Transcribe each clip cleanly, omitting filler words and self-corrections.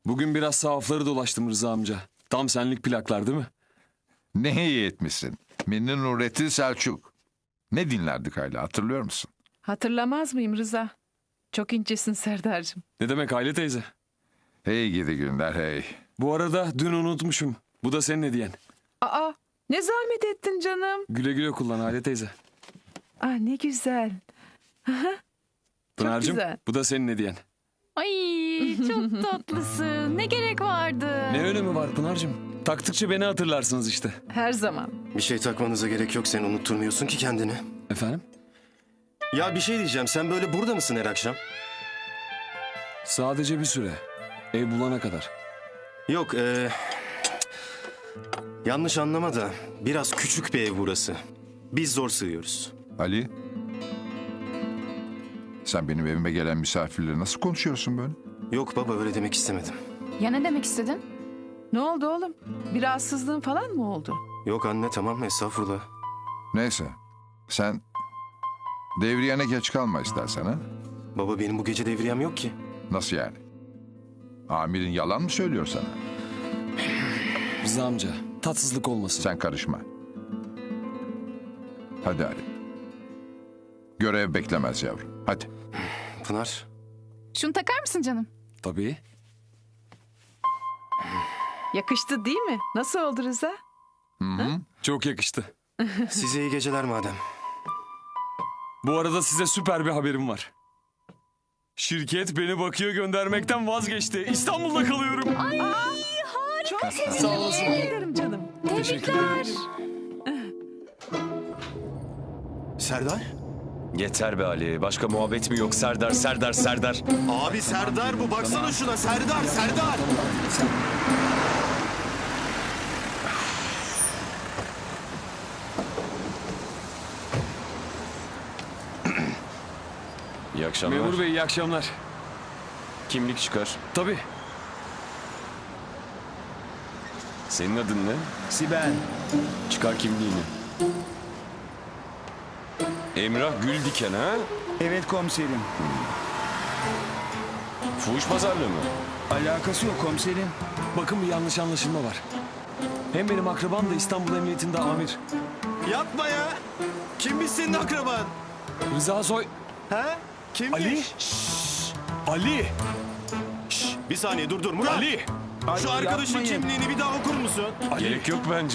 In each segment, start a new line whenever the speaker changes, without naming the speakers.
Bugün biraz sahafları dolaştım Rıza amca. Tam senlik plaklar değil mi?
Ne iyi etmişsin. Minni Nurettin Selçuk. Ne dinlerdik hala hatırlıyor musun?
Hatırlamaz mıyım Rıza? Çok incesin Serdar'cığım.
Ne demek Aile teyze?
Hey gidi günler hey.
Bu arada dün unutmuşum. Bu da senin hediyen.
Aa, ne zahmet ettin canım.
Güle güle kullan Aile teyze.
Ah, ne güzel.
Pınar'cığım
güzel.
bu da senin hediyen.
Ay çok tatlısın. Ne gerek vardı?
Ne önemi var Pınar'cığım? Taktıkça beni hatırlarsınız işte.
Her zaman.
Bir şey takmanıza gerek yok. Sen unutturmuyorsun ki kendini.
Efendim?
Ya bir şey diyeceğim. Sen böyle burada mısın her akşam?
Sadece bir süre. Ev bulana kadar.
Yok. Yanlış anlama da biraz küçük bir ev burası. Biz zor sığıyoruz.
Ali. Sen benim evime gelen misafirleri nasıl konuşuyorsun böyle?
Yok baba öyle demek istemedim.
Ya ne demek istedin?
Ne oldu oğlum? Bir rahatsızlığın falan mı oldu?
Yok anne tamam estağfurullah.
Neyse. Sen devriyene geç kalma istersen ha.
Baba benim bu gece devriyem yok ki.
Nasıl yani? Amirin yalan mı söylüyor sana?
Rıza amca tatsızlık olmasın.
Sen karışma. Hadi Ali. Görev beklemez yavrum. Hadi.
Pınar.
Şunu takar mısın canım?
Tabii.
Yakıştı değil mi? Nasıl oldu Rıza?
Çok yakıştı.
Size iyi geceler madem.
Bu arada size süper bir haberim var. Şirket beni Bakü'ye göndermekten vazgeçti. İstanbul'da kalıyorum.
Çok sevindim.
Sağ olasın.
Teşekkür ederim canım.
Teşekkür ederim.
Serdar?
Yeter be Ali. Başka muhabbet mi yok? Serdar, Serdar, Serdar.
Abi Serdar bu. Baksana şuna. Serdar, Serdar.
İyi akşamlar.
Memur bey iyi akşamlar.
Kimlik çıkar.
Tabii.
Senin adın ne?
Sibel.
Çıkar kimliğini. Emrah Güldiken ha?
Evet komiserim.
Fuhuş pazarlığı mı?
Alakası yok komiserim.
Bakın bir yanlış anlaşılma var. Hem benim akrabam da İstanbul Emniyetinde amir.
Yapma ya. Kimmiş senin akraban?
Rıza Soy...
Ha? Kimmiş?
Ali? Ali!
Bir saniye dur Murat.
Ali!
Şu
Ay,
arkadaşın
yapmayın.
kimliğini bir daha okur musun?
Ali!
Gerek yok bence.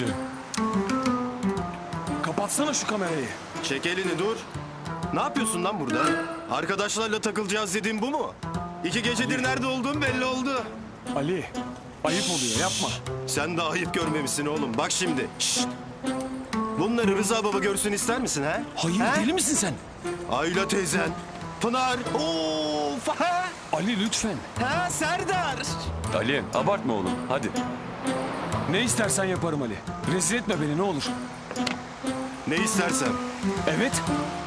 Kapatsana şu kamerayı.
Çek elini dur. Ne yapıyorsun lan burada? Arkadaşlarla takılacağız dediğin bu mu? 2 gecedir nerede olduğun belli oldu.
Ali! Ayıp oluyor yapma.
Sen de ayıp görmemişsin oğlum. Bak şimdi. Şşt. Bunları Rıza baba görsün ister misin ha?
Hayır
Ha?
deli misin sen?
Ayla teyzen. Pınar. Of. Ha?
Ali lütfen.
Ha Serdar.
Ali abartma oğlum. Hadi.
Ne istersen yaparım Ali. Rezil etme beni ne olur.
Ne istersen.
Evet.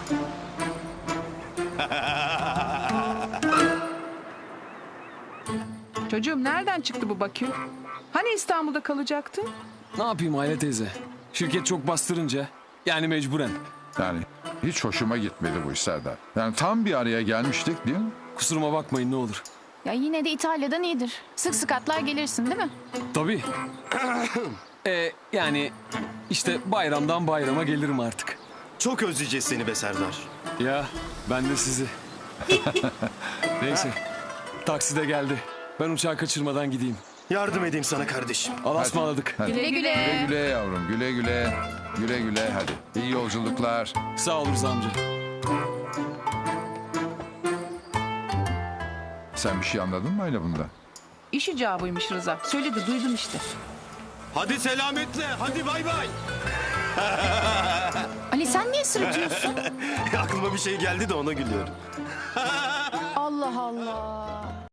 Çocuğum nereden çıktı bu Bakü? Hani İstanbul'da kalacaktın?
Ne yapayım Aile teyze? Şirket çok bastırınca yani mecburen.
Yani hiç hoşuma gitmedi bu iş Serdar. Yani tam bir araya gelmiştik değil mi?
Kusuruma bakmayın ne olur.
Ya yine de İtalya'dan iyidir. Sık sık atlar gelirsin değil mi?
Tabii. Yani işte bayramdan bayrama gelirim artık.
Çok özleyeceğiz seni be Serdar.
Ya ben de sizi. Neyse. Taksi de geldi. Ben uçağı kaçırmadan gideyim.
Yardım edeyim sana kardeşim.
Allah'a ısmarladık.
Hadi.
Güle güle.
Güle güle yavrum güle güle. Güle güle hadi. İyi yolculuklar.
Sağ ol Rıza amca.
Sen bir şey anladın mı Ayla bunda?
İş icabıymış Rıza. Söyledi duydum işte.
Hadi selametle. Hadi bay bay.
Ali sen niye sırıtıyorsun?
Aklıma bir şey geldi de ona gülüyorum.
Allah Allah.